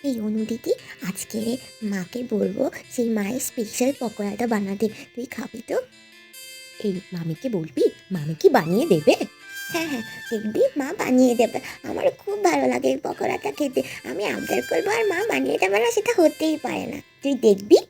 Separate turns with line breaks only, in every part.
এই অনু দিদি, আজকে মাকে বলবো সেই মায়ের স্পেশাল পকোড়াটা বানাতে, তুই খাবি তো? এই মামিকে বলবি, মামি কি বানিয়ে দেবে? হ্যাঁ হ্যাঁ, দেখবি মা বানিয়ে দেবে। আমার খুব ভালো লাগে এই পকোড়াটা খেতে। আমি আবদার করবো আর মা বানিয়ে দেবে না, সেটা হতেই পারে না, তুই দেখবি।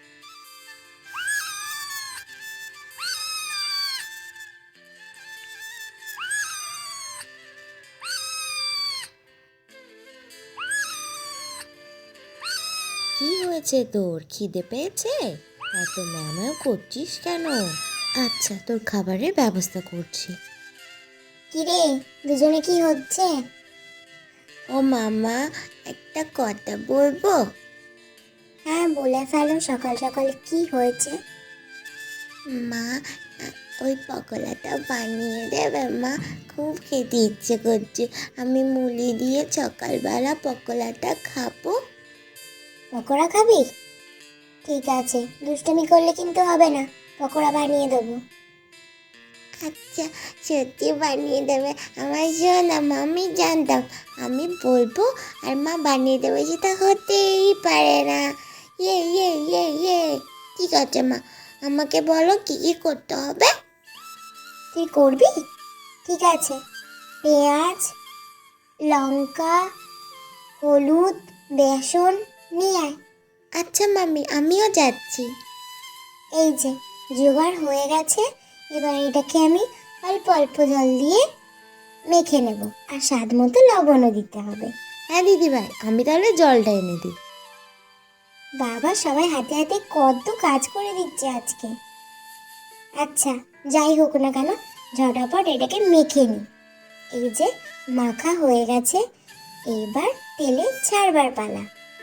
কি হয়েছে তোর, খিদে পেয়েছে? এত ম্যাও করছিস কেন? আচ্ছা, তোর খাবারের ব্যবস্থা করছি।
কিরে, দুজনে কি হচ্ছে?
ও মামা, একটা কথা বলবো?
হ্যাঁ, বলে ফেলো। সকাল সকাল কি হয়েছে?
মা, ওই পকোড়াটা বানিয়ে দেবে মা? খুব খেতে ইচ্ছে করছে। আমি মুলি দিয়ে সকালবেলা পকোড়াটা খাবো।
পকোড়া খাবি? ঠিক আছে, দুষ্টুমি করলে কিন্তু হবে না। পকোড়া বানিয়ে দেবো।
আচ্ছা, সত্যি বানিয়ে দেবে? আমার শোনা মা, আমি জানতাম। আমি বলবো আর মা বানিয়ে দেবে, সেটা হতেই পারে না। ইয়ে ইয়ে ইয়ে ইয়ে। ঠিক আছে মা, আমাকে বলো কি কি করতে হবে।
তুই করবি? ঠিক আছে, পেঁয়াজ, লঙ্কা, হলুদ, বেসন নিয়ে আয়।
আচ্ছা মামি, আমিও যাচ্ছি।
এই যে জোগাড় হয়ে গেছে। এবার এটাকে আমি অল্প অল্প জল দিয়ে মেখে নেব, আর স্বাদ মতো লবণও দিতে হবে।
হ্যাঁ দিদি ভাই, আমি তাহলে জলটা এনে দিই।
বাবা, সবাই হাতে হাতে কত কাজ করে দিচ্ছে আজকে। আচ্ছা, যাই হোক না কেন, ঝটাপট এটাকে মেখে নি। এই যে মাখা হয়ে গেছে, এবার তেলে ছাড়বার পালা।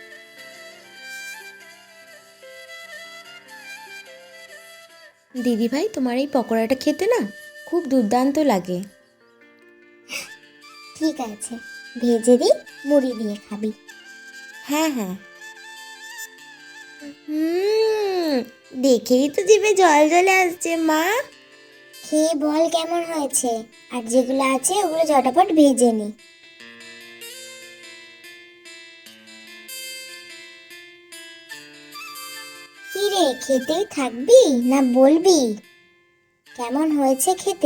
দিদি ভাই, তোমার এই পকোড়াটা খেতে না খুব দুর্দান্ত লাগে।
ঠিক আছে, ভেজে দিই, মুড়ি দিয়ে খাবি।
হ্যাঁ হ্যাঁ। দেখেই তো জিভে জল চলে আসছে মা।
খেয়ে বল কেমন হয়েছে, আর যেগুলো আছে ওগুলো ঝটাপট ভেজে নি। কি রে, খেতেই থাকবি না বলবি কেমন হয়েছে খেতে?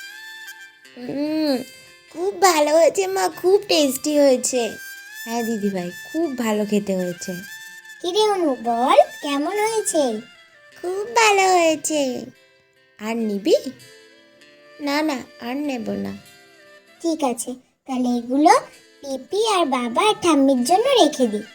খুব ভালো হয়েছে মা, খুব টেস্টি হয়েছে। হ্যাঁ দিদি ভাই, খুব ভালো খেতে হয়েছে।
কি রে অনু, বল কেমন হয়েছে?
খুব ভালো হয়েছে। আর নিবি? না না, আর নেব না।
ঠিক আছে, তাহলে এগুলো পিপি আর বাবা আর ঠাম্মির জন্য রেখে দিই।